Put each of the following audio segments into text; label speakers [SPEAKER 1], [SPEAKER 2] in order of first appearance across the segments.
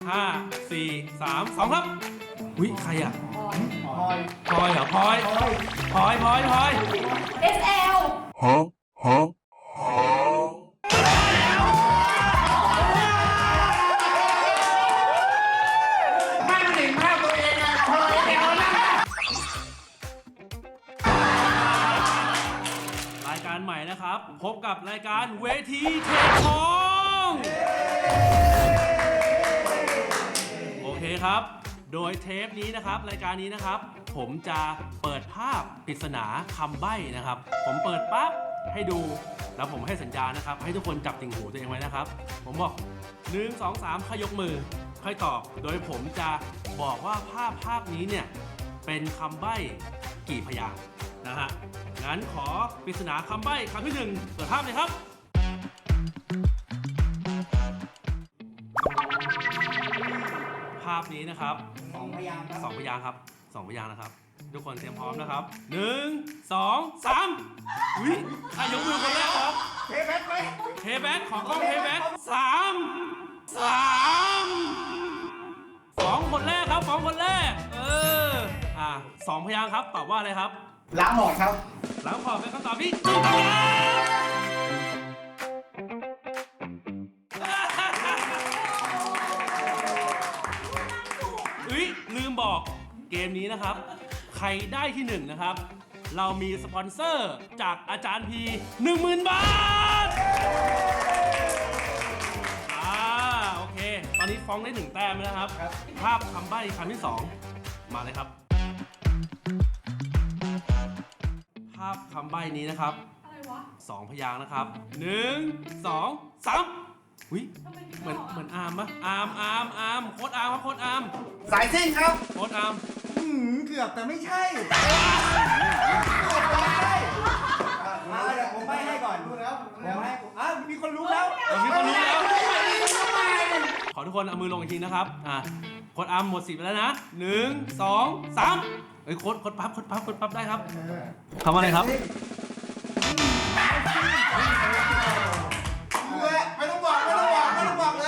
[SPEAKER 1] 5 4 3 2ครับอุ้ยใครอ่ะพลอยเหรอพลอย
[SPEAKER 2] SL
[SPEAKER 3] ไม่เห็นภาพตัวเองอะพอเดี๋ยวนะ
[SPEAKER 1] รายการใหม่นะครับพบกับรายการเวทีเทคทองโอเคครับ โดยเทปนี้นะครับรายการนี้นะครับผมจะเปิดภาพปริศนาคำใบ้นะครับผมเปิดปั๊บให้ดูแล้วผมให้สัญญาณนะครับให้ทุกคนจับติ่งหูตัวเองไว้นะครับผมบอก1 2 3ค่อยยกมือค่อยตอบโดยผมจะบอกว่าภาพนี้เนี่ยเป็นคำใบ้กี่พยางค์นะฮะงั้นขอปริศนาคำใบ้คำที่1เปิดภาพเลยครับภาพนี้นะครับ
[SPEAKER 3] 2 พยางค์ครับ
[SPEAKER 1] 2 พยางค์ครับ2 พยางค์นะครับทุกคนเตรียมพร้อมนะครับ1 2 3อุ้ยใครยกมือคนแรกครับ
[SPEAKER 3] เทแบ็คไหม
[SPEAKER 1] เทแบ็คของกล้องเทแบ็ค2 คนแรกครับ2 คนแรก2 พยางค์ครับตอบว่าอะไรครับ
[SPEAKER 3] ล้างหมดครับ
[SPEAKER 1] หลังขอเป็นคำตอบที่ถูกต้องลืมบอกเกมนี้นะครับใครได้ที่1นะครับเรามีสปอนเซอร์จากอาจารย์พี 10,000 บาทโอเคตอนนี้ฟ้องได้1 แต้มแล้วนะครับภาพคำใบ้คำที่ 2มาเลยครับภาพคำใบ้นี้นะครับ
[SPEAKER 2] อะไรวะ
[SPEAKER 1] 2 พยางค์นะครับ1 2 3อุ้ยเหมือนอาร์มปะอาร์มโค้ดอาร์มครับโค้ดอาร์ม
[SPEAKER 3] สายซิ่งครับ
[SPEAKER 1] โค้ดอาร์ม
[SPEAKER 3] เกือบแต่ไม่ใช่มาเดี๋ยวผมให้ก่อนดูแล้วมีคนรู้แล้ว
[SPEAKER 1] มีคนรู้แล้วขอทุกคนเอามือลงอีกทีนะครับโค้ดอาร์มหมดสิทธิ์ไปแล้วนะ1 2 3เฮ้ยโค้ดปั๊บได้ครับทำอะไรครับ
[SPEAKER 3] ไม่ต้องบอกเลยไม่ต้องบอก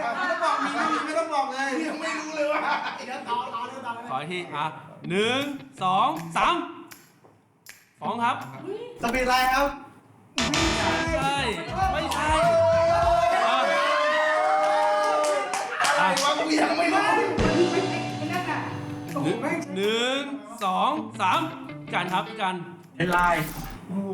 [SPEAKER 3] เลยยังไม่รู้เลยว่าต่อ
[SPEAKER 1] ขออีกที1 2 3ฟ้องครับ
[SPEAKER 3] สปีดไลน์ครับ
[SPEAKER 1] ไม่ใช่
[SPEAKER 3] อะไรวะกูยังไม่รู้
[SPEAKER 1] 1 2 3กันครับกัน
[SPEAKER 3] เป็นไลน์โอ้โห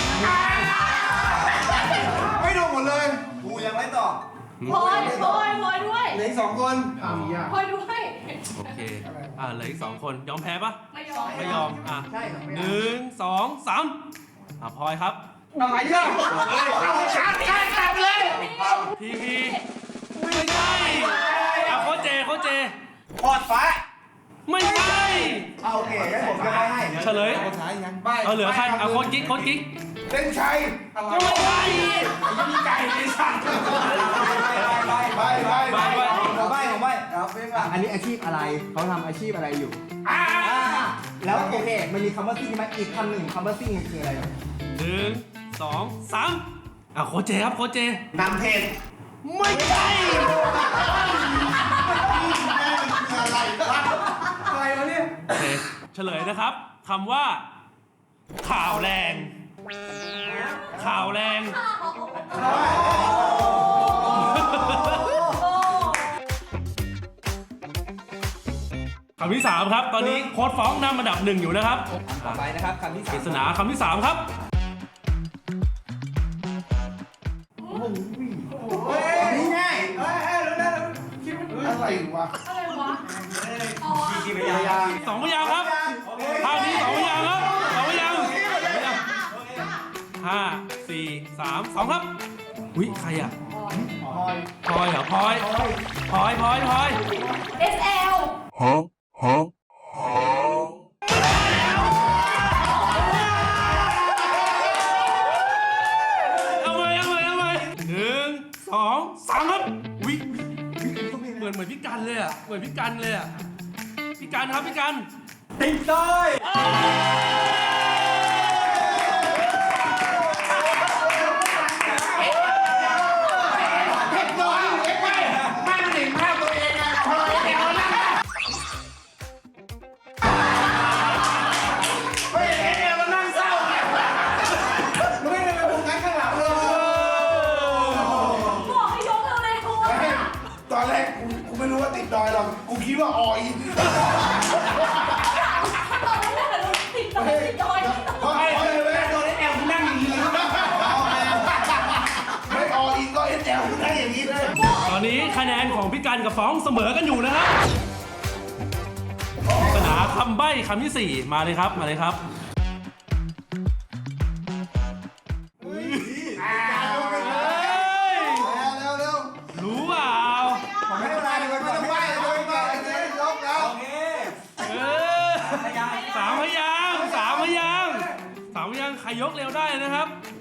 [SPEAKER 3] ไม่โดนหมดเลยกูยังไม่ตอบ
[SPEAKER 2] พลอยด้วย
[SPEAKER 3] เหลืออีก2 คน
[SPEAKER 2] พลอยด้วย
[SPEAKER 1] โอเคเหลืออีก2 คนยอมแพ้ปะ
[SPEAKER 2] ไม่ยอม
[SPEAKER 1] ไม่ยอม
[SPEAKER 3] ใช่ครับ
[SPEAKER 1] 1 2 3พลอยครับ
[SPEAKER 3] อะไรเนี่ยเอาชาร์จกลับเลย
[SPEAKER 1] พีไม่ใช่โค้ชเจ
[SPEAKER 3] พอดฟ้า
[SPEAKER 1] ไม่ใช่
[SPEAKER 3] โอเคงั้นผมจะให้
[SPEAKER 1] เฉลย
[SPEAKER 3] คนท้ายยังใบ
[SPEAKER 1] เหลือใครโค้ชกิ๊ก
[SPEAKER 3] เส้นชัย
[SPEAKER 1] ก็ไม่ใช่
[SPEAKER 3] มีไก่ในสัตว์ใบครับอันนี้อาชีพอะไรเขาทำอาชีพอะไรอยู่แล้วโอเคมันมีคำว่าซิ่งไหมอีกคำหนึ่งคำว่าซิ่งคืออะไร
[SPEAKER 1] 1 2 3โค้ชเจครับโค้ชเจ
[SPEAKER 3] นำเพจ
[SPEAKER 1] ไม่ใช่
[SPEAKER 3] อะไรวะเนี่ย
[SPEAKER 1] โอเคเฉลยนะครับคำว่าข่าวแรงคำที่ 3ครับตอนนี้โค้ดฟ้องนำอันดับ 1อยู่นะครับ
[SPEAKER 3] ต่อไปนะครับคำที่
[SPEAKER 1] ปริศนาคำที่ 3ครับ
[SPEAKER 3] นี่ง่ายอะไรวะ
[SPEAKER 2] อ๋อ
[SPEAKER 3] กี่พยางค์
[SPEAKER 1] 2 พยางค์ครับภาพนี้2 พยางค์ครับ2 พยางค์5 4 3 2ครับอุ้ยใครอ่ะพลอยเหรอพลอย
[SPEAKER 2] SL
[SPEAKER 1] เอาใหม่1 2 3ครับวิเหมือนพี่กันเลยอ่ะพี่กันครับพี่กัน
[SPEAKER 3] ติดต้อย ไม่เห็นภาพตัวเองอะ
[SPEAKER 4] กูไม่รู้ว่าติดดอยหรอกกูคิดว่าออย
[SPEAKER 2] ตอนนั้นน่ะติดดอยติดดอย
[SPEAKER 4] เพราะออยเลยโดนแอลกูนั่งอย่างนี้ไม่ออยก็เอสแอลกูนั่งอย่างนี้เลย
[SPEAKER 1] ตอนนี้คะแนนของพี่กันกับฟ้องเสมอกันอยู่นะครับปริศนาคำใบ้คำที่ 4 มาเลยครับ มาเลยครับ
[SPEAKER 3] เร็ว
[SPEAKER 1] รู้เปล่า
[SPEAKER 3] ผมให้เวลาดีกว่าไม่ต้องไหวเลยไปเลยยกแล้วโอเค
[SPEAKER 1] เออสามพยางค์สามพยางค์ใครยกเร็วได้นะครับ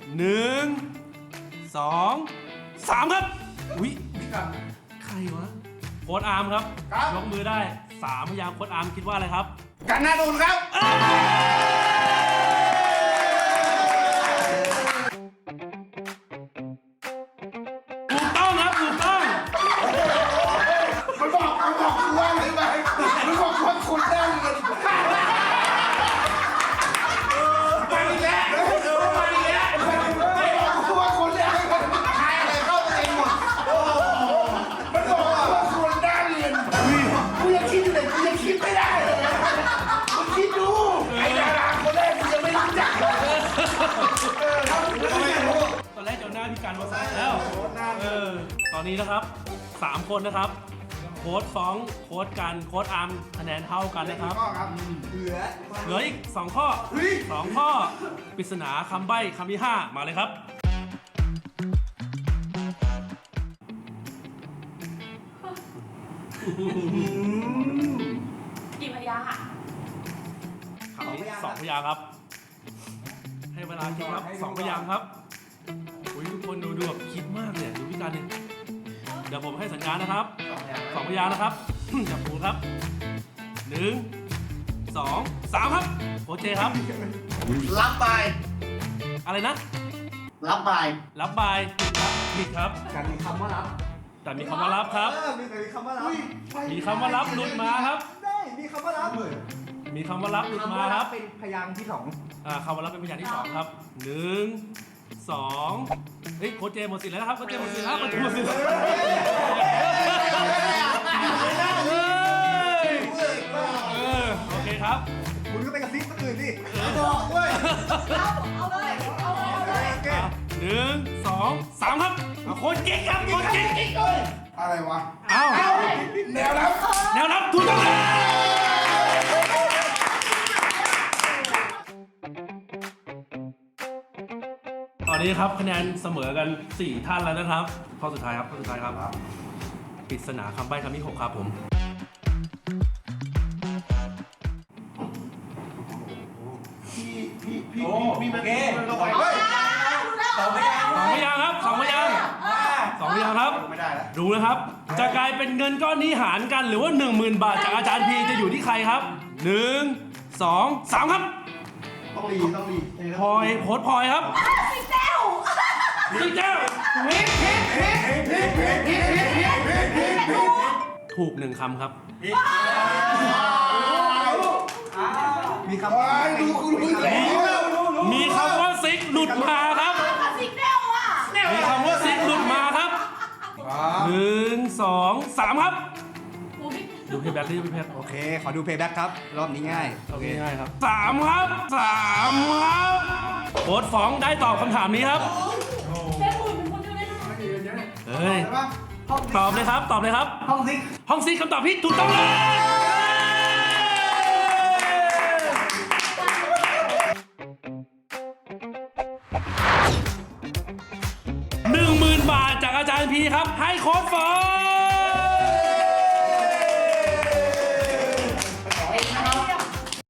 [SPEAKER 1] 1 2 3 ครับ อุ๊ยใครวะโค้ดอาร์มครับ ยกมือได้3พยางค์โค้ดอาร์มคิดว่าอะไรครับ
[SPEAKER 4] กันนาดุนครับ
[SPEAKER 1] ถูกต้องครับ ถูกต้อง
[SPEAKER 4] มันบอกกูว่าอะไรไหมมันบอกว่าคุณได้เงินไปอีกแล้วไปอีกแล้วไม่บอกกูว่าคุณได้เงินใครอะไรเข้าตัวเองหมดมันบอกว่าคุณได้เงินกูยังคิดอยู่เลยกูยังคิดไม่ได้เลยมึงคิดดูไอ้ดาราคนแรกกูยังไม่รู้จักเลย
[SPEAKER 1] ตอนแรกเจ้าหน้าพี่กันมาใส่แล้วตอนนี้นะครับ 3 คนนะครับ โค้ดฟ้อง โค้ดกัน โค้ดอาร์มคะแนนเท่ากันนะครับ เหลืออีก 2 ข้อ 2 ข้อ ปริศนาคำใบ้คำที่ 5 มาเลยครับ
[SPEAKER 2] กี่พยางค์อ่ะ
[SPEAKER 1] คำนี้2 พยางค์ครับ ให้เวลาคิดครับ 2 พยางค์ครับอุ้ยทุกคนดูแบบคิดมากเนี่ยดูพี่กันเนี่ยเดี๋ยวผมให้สัญญาณนะครับ 2 พยางค์นะครับ จับปูครับ 1 2 3 ครับโอเคครับ
[SPEAKER 4] รับไป
[SPEAKER 1] อะไรนะ
[SPEAKER 4] รับไป
[SPEAKER 1] รับบายผิดครับ
[SPEAKER 3] กันมีคำว่ารับ
[SPEAKER 1] แต่มีคำว่ารับครับ
[SPEAKER 3] มีคำว่ารับ
[SPEAKER 1] มีคำว่ารับหลุดมาครับ
[SPEAKER 3] ได้มีคำว่ารับ
[SPEAKER 1] มีคำว่ารับหลุดมาครับ
[SPEAKER 3] เป็นพยางค์ที่สอง
[SPEAKER 1] คำว่ารับเป็นพยางค์ที่ 2 ครับ 1 2เฮ้ยโค้ชเจหมดสิทธิ์แล้วนะครับโค้ชเจหมดสิทธิ์แล้วโค้ชเจหมดสิทธิ์แล้วโอเคครับ
[SPEAKER 3] คุณก็ไปกระซิบคนอื่นดิ
[SPEAKER 2] เอาเลยเอาเลย
[SPEAKER 3] โอเค
[SPEAKER 1] 1 2 3 ครับโค้ชเก่งครับโค้ชเก่ง
[SPEAKER 4] อะไรวะ
[SPEAKER 1] เอ้า
[SPEAKER 4] แนวรับ
[SPEAKER 1] แนวรับถูกต้องแล้วตอนนี้ครับคะแนนเสมอกัน 4 ท่านแล้วนะครับ ข้อสุดท้ายครับข้อสุดท้ายครับปริศนาคำใบ้คำที่ 6 ครับผม
[SPEAKER 4] พี่โอเค
[SPEAKER 1] 2 พยางค์ครับ 2 พยางค์2 พยางค์ครับ
[SPEAKER 4] ไม่ได้แล้ว
[SPEAKER 1] ดูนะครับ จะกลายเป็นเงินก้อนนี้หารกันหรือว่า 10,000 บาทจากอาจารย์พีจะอยู่ที่ใครครับ 1 2 3 ครับ
[SPEAKER 4] ต้องรี
[SPEAKER 1] พลอยโพสต์พลอยครับ
[SPEAKER 2] สิเต้ว
[SPEAKER 1] พี่เจ้าถูก 1 คำครับ
[SPEAKER 3] มีคำว่า
[SPEAKER 4] ดูกูรู้แล้ว
[SPEAKER 1] มีคำว่าซิกหลุดมาครับ
[SPEAKER 2] สิเต้วอ่ะ
[SPEAKER 1] มีคำว่าซิกหลุดมาครับ 1 2 3 ครับ ดูเพย์แบ็กดิพี่เพชร
[SPEAKER 3] โอเค ขอดูเพย์แบ็กครับ รอบนี้ง่าย
[SPEAKER 1] โอเคง่ายครับ3 ครับ 3 ครับโค้ดฟ้องได้ตอบคำถามนี้ครับ
[SPEAKER 2] เต้วเป็นคนเดียวเลยนะ
[SPEAKER 1] เฮ้ย ตอบเลยครับ ตอบเลยครับ
[SPEAKER 3] ห้องซิก
[SPEAKER 1] ห้องซีคำตอบที่ถูกต้องเลย10,000 บาทจากอาจารย์พีครับ ให้โค้ดฟ้อง